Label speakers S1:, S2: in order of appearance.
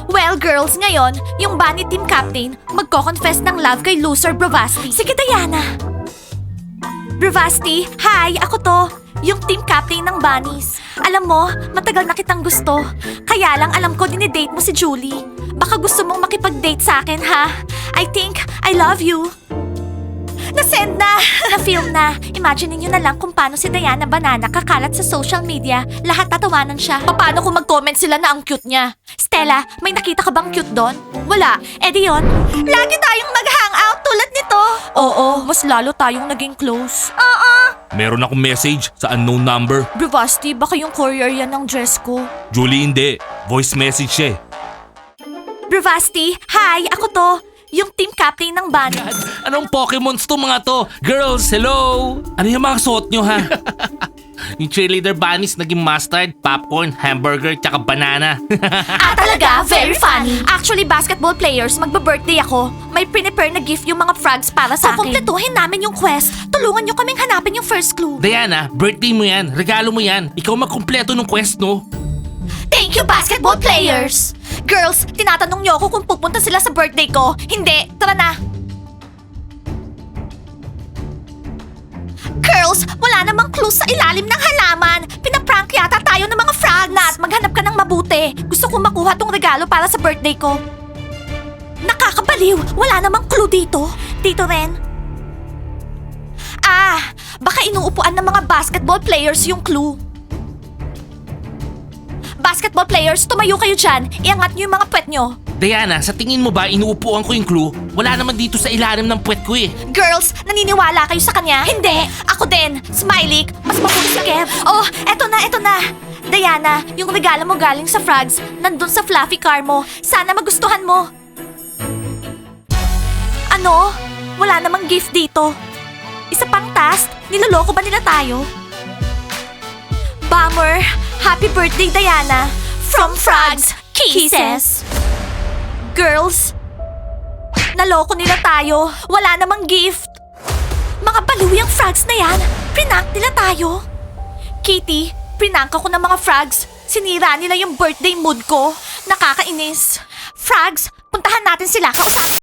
S1: Well, girls, ngayon, yung Bunny Team Captain magko-confess ng love kay loser Bravasti. Sige, Diana. Bravasti, hi! Ako to, yung team captain ng Bunnies. Alam mo, matagal na kitang gusto. Kaya lang alam ko dinidate mo si Julie. Baka gusto mong makipag-date sa akin, ha? I think I love you. Na-send na! Na-film na. Imagine niyo na lang kung paano si Diana Banana kakalat sa social media. Lahat tatawanan siya. Paano kung mag-comment sila na ang cute niya? Stella, may nakita ka bang cute doon? Wala. Eh di yun? Lagi tayong mag-hangout tulad nito. Oo, mas lalo tayong naging close.
S2: Meron akong message sa unknown number.
S1: Bravasti, baka yung courier yan ng dress ko.
S2: Julie, hindi. Voice message siya eh.
S1: Bravasti, hi! Ako to, yung team captain ng Bunnies.
S2: Anong Pokemons to mga to? Girls, hello! Ano yung mga suot nyo ha? Yung cheerleader bunnies naging mustard, popcorn, hamburger, tsaka banana.
S1: Talaga? Very funny. Actually, basketball players, magbe-birthday ako. May prepare na gift yung mga frogs para sa akin. Kukumpletuhin namin yung quest. Tulungan nyo kaming hanapin yung first clue.
S2: Diana, birthday mo yan. Regalo mo yan. Ikaw magkumpleto ng quest, no?
S1: Thank you, basketball players! Girls, tinatanong niyo ako kung pupunta sila sa birthday ko. Hindi, tara na! Girls, wala namang clue sa ilalim ng halaman. Pinaprank yata tayo ng mga frogs. Nat, maghanap ka ng mabuti. Gusto kong makuha tong regalo para sa birthday ko. Nakakabaliw! Wala namang clue dito. Dito rin. Baka inuupuan ng mga basketball players yung clue. Basketball players, tumayo kayo dyan. Iangat niyo yung mga puwet nyo.
S2: Diana, sa tingin mo ba inuupuan ko yung clue? Wala naman dito sa ilalim ng puwet ko eh.
S1: Girls, naniniwala kayo sa kanya? Hindi! Ako din! Smiley, mas mabuti si Kev. Oh, eto na, eto na! Diana, yung regalo mo galing sa frogs, nandun sa fluffy car mo. Sana magustuhan mo. Ano? Wala namang gift dito. Isa pang task? Niloloko ba nila tayo? Bummer! Happy birthday, Diana! From Frogs, Kisses! Girls, naloko nila tayo. Wala namang gift. Mga baliw yung frogs na yan. Prinank nila tayo. Kitty, prinank ako ng mga frogs. Sinira nila yung birthday mood ko. Nakakainis. Frogs, puntahan natin sila. Kausapin